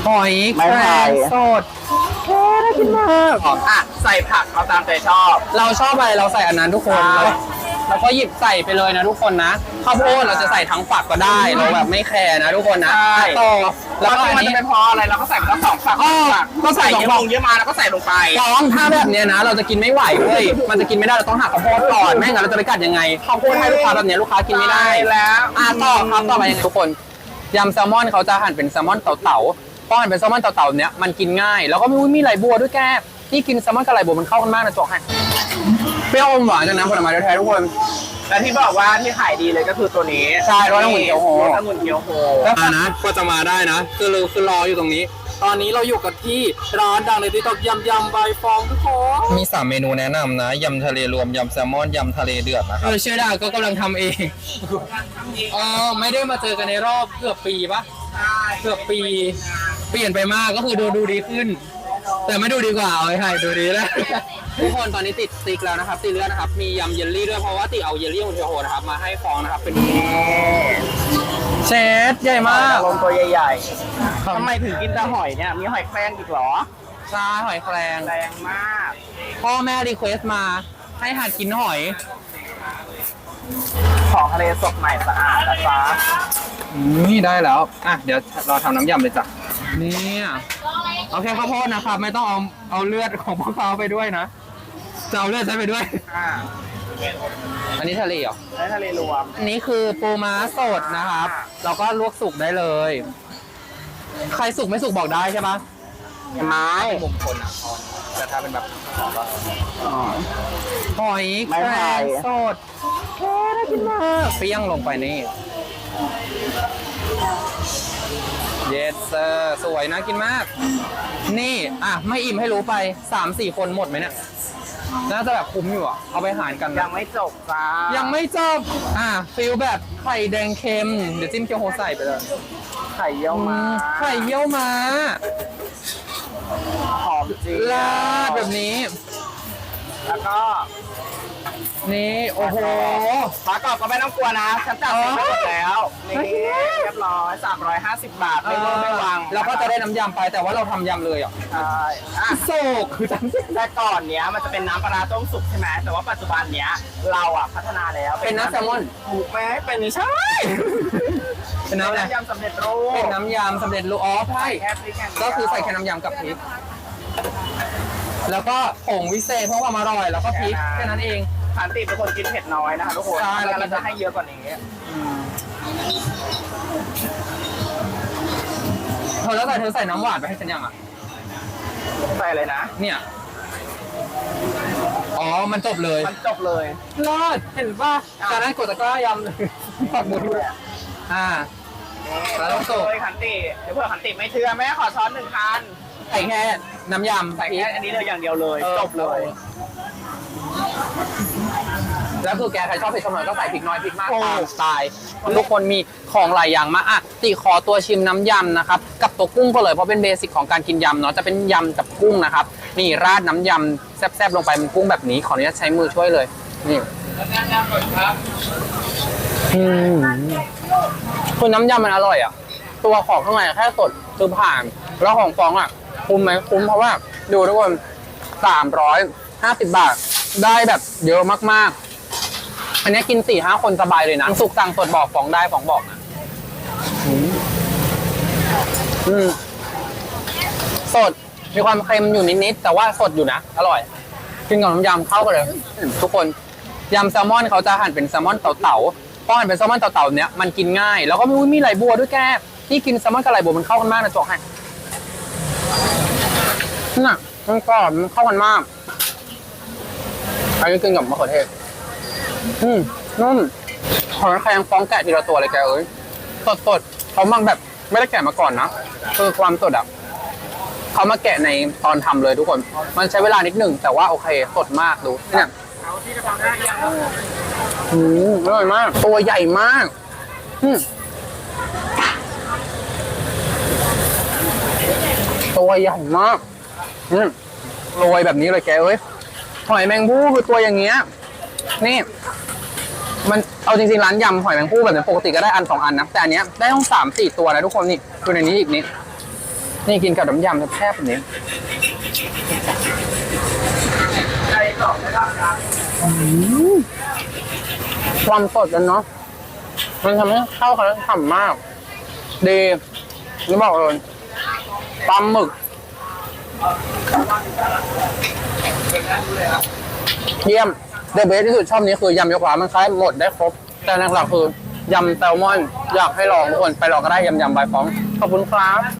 หอยแครงสดน่ากินมากอ่ะใส่ผักเอาตามใจชอบเราชอบอะไรเราใส่อันนั้นทุกคนเราก็หยิบใส่ไปเลยนะทุกคนนะข้าวโพดเราจะใส่ทั้งฝักก็ได้เราแบบไม่แคร์นะทุกคนนะต่อแล้วก็มันจะเป็นเพราะอะไรเราก็ใส่ไปทั้ง2 ฝักก็ใส่เยอะลงเยอะมาแล้วก็ใส่ลงไปถ้าแบบเนี้ยนะเราจะกินไม่ไหวเว้ยมันจะกินไม่ได้เราต้องหักข้าวโพดก่อนไม่งั้นเราจะไปกัดยังไงข้าวโพดให้ลูกค้าแบบเนี้ยลูกค้ากินไม่ได้แล้วต่อครับต่อไปยังไงทุกคนยำแซลมอนเขาจะหั่นเป็นแซลมอนเต่าๆพอหั่นเป็นแซลมอนเต่าๆเนี้ยมันกินง่ายแล้วก็มีไหลบัวด้วยแกนี่กินแซลมอนกับไหลบัวมันเข้ากันมากนะจ๊อกให้เปรี้ยวอมหวานจากน้ำผลไม้แท้ๆทุกคนและที่บอกว่าที่ขายดีเลยก็คือตัวนี้ใช่รสองุ่นเกี๊ยวโฮรสองุ่นเกี๊ยวโฮแล้วนะก็จะมาได้นะคือรออยู่ตรงนี้ตอนนี้เราอยู่กันที่ร้านดังในติ๊กต็อกยำใบฟองทุกคนมี3เมนูแนะนำนะยำทะเลรวมยำแซลมอนยำทะเลเดือดนะครับเชื่อได้ก็กำลังทำเองไม่ได้มาเจอกันในรอบเกือบปีปะเกือบปีเปลี่ยนไปมากก็คือดูดีขึ้นแต่ไม่ดูดีกว่าเอาไว้ดูดีแล้วทุกคนตอนนี้ติดสติ๊กแล้วนะครับติดเลือดนะครับมียำเยลลี่ด้วยเพราะว่าติเอาเยลลี่ของเทโฮนะครับมาให้ฟองนะครับเป็นเชฟใหญ่มากลงตัวใหญ่ๆทำไมถึงกินแต่หอยเนี่ยมีหอยแครงอีกหรอใช่หอยแครงแรงมากพ่อแม่รีเควสมาให้หัดกินหอยของทะเลสดใหม่สะอาดนะจ๊ะนี่ได้แล้วเดี๋ยวเราทำน้ำยำเลยจ้ะนี่เอาแค่ข้าวโพดนะครับไม่ต้องเอาเลือดของพวกเขาไปด้วยนะจะเอาเลือดใช้ไปด้วยอันนี้ทะเลเหรอทะเลรวมอันนี้คือปูม้าสดนะครับเราก็ลวกสุกได้เลยใครสุกไม่สุกบอกได้ใช่ปะไม้มุมคนแต่ถ้าเป็นแบบหอยแครงสดน่ากินมากเปรี้ยงลงไปนี่เยสเซอร์สวยนะกินมากนี่ไม่อิ่มให้รู้ไป 3-4 คนหมดไหมเนี่ยน่าจะแบบคุ้มอยู่เอาไปหารกันยังไม่จบจ้ายังไม่จบฟิลแบบไข่แดงเค็มเดี๋ยวจิ้มเกี๊ยวโฮใส่ไปเลยไข่เยี่ยวม้าหอมจริงลาดแบบนี้แล้วก็นี่โอ้โหปลากรอบก็ไม่ต้องกลัวนะฉันจัดเสร็จหมดแล้วนี่เรียบร้อย350 บาทไม่เวอร์ไม่วางแล้วก็จะได้น้ำยำไปแต่ว่าเราทำยำเลยใช่โซกคือแต่ก่อนเนี้ยมันจะเป็นน้ำปลาต้มสุกใช่ไหมแต่ว่าปัจจุบันเนี้ยเราพัฒนาแล้วเป็นน้ำแซลมอนถูกไหมเป็นใช่เป็นน้ำยำสำเร็จรูปเป็นน้ำยำสำเร็จรูปใช่ก็คือใส่แค่น้ำยำกับพริกแล้วก็ผงวิเศษเพื่อความอร่อยแล้วก็พริกแค่นั้นเองขันติเป็นคนกินเผ็ดน้อยนะคะทุกคนเราจะให้เยอะกว่านี้แล้วเธอใส่น้ำหวานไปให้ฉันยังใส่เลยนะเนี่ยมันจบเลยรอดเห็นป่ะจากนั้นกดตะกร้ายำเลยปักหมุดด้วยแล้วต้องโซ่ขันติเดี๋ยวเพื่อขันติไม่เชื่อแม่ขอช้อน1 คันใส่แค่น้ำยำใส่แค่อันนี้เลยอย่างเดียวเลยจบเลยแล้วคือแกใครชอบเผ็ดหน่อยก็ใส่พริกน้อยพริกมากตามสไตล์ทุกคนมีของหลายอย่างมากติขอตัวชิมน้ำยำนะครับกับตัวกุ้งก็เลยเพราะเป็นเบสิกของการกินยำเนาะจะเป็นยำกับกุ้งนะครับนี่ราดน้ำยำแซ่บๆลงไปเป็นกุ้งแบบนี้ขออนุญาตใช้มือช่วยเลยนี่คือน้ำยำมันอร่อยตัวของข้างในแค่สดคือผ่านแล้วของฟองคุ้มไหมคุ้มเพราะว่าดูทุกคน350 บาทได้แบบเยอะมากๆอันนี้กิน 4-5 คนสบายเลยนะสุกสั่งสดบอกฟองได้ฟองบอกนะสดมีความเค็มอยู่นิดๆแต่ว่าสดอยู่นะอร่อยกินกับน้ำยำเข้ากันเลยทุกคนยำแซลมอนเขาจะหั่นเป็นแซลมอนเต่าๆพอหั่นเป็นแซลมอนเต่าๆเนี้ยมันกินง่ายแล้วก็มีไหลบัวด้วยแกนี่กินแซลมอนกับไหลบัวมันเข้ากันมากนะจ๊อกให้มันกรอบมันเข้ากันมากอันนี้กินกับมะเขือเทศนุ่มหอยแครงฟองแกะทีละตัวเลยแกสดเขาบางแบบไม่ได้แกะมาก่อนนะคือความสดเขามาแกะในตอนทำเลยทุกคนมันใช้เวลานิดหนึ่งแต่ว่าโอเคสดมากดูเนี่ยอร่อยมากตัวใหญ่มากตัวใหญ่มากโรยแบบนี้เลยแกหอยแมงภู่คือตัวอย่างเงี้ยนี่มันเอาจริงๆร้านยำหอยแมงภู่แบบนี้ปกติก็ได้1-2 อันนะแต่อันเนี้ยได้ต้อง3-4 ตัวนะทุกคนนี่คือในนี้อีกนิดนี่กินกับน้ำยำแซ่บๆแบบนี้ความสดกันเนาะมันทำให้เข้ากันแล้วฉ่ำมากดีนี่บอกเลยปลาหมึกเยี่ยมเดอะเบสที่สุดชอบนี้คือยำยกขวามันคล้ายหมดได้ครบแต่หลักๆคือยำแซลมอนอยากให้ลองทุกคนไปลองก็ได้ยำบายฟ้องขอบคุณครับ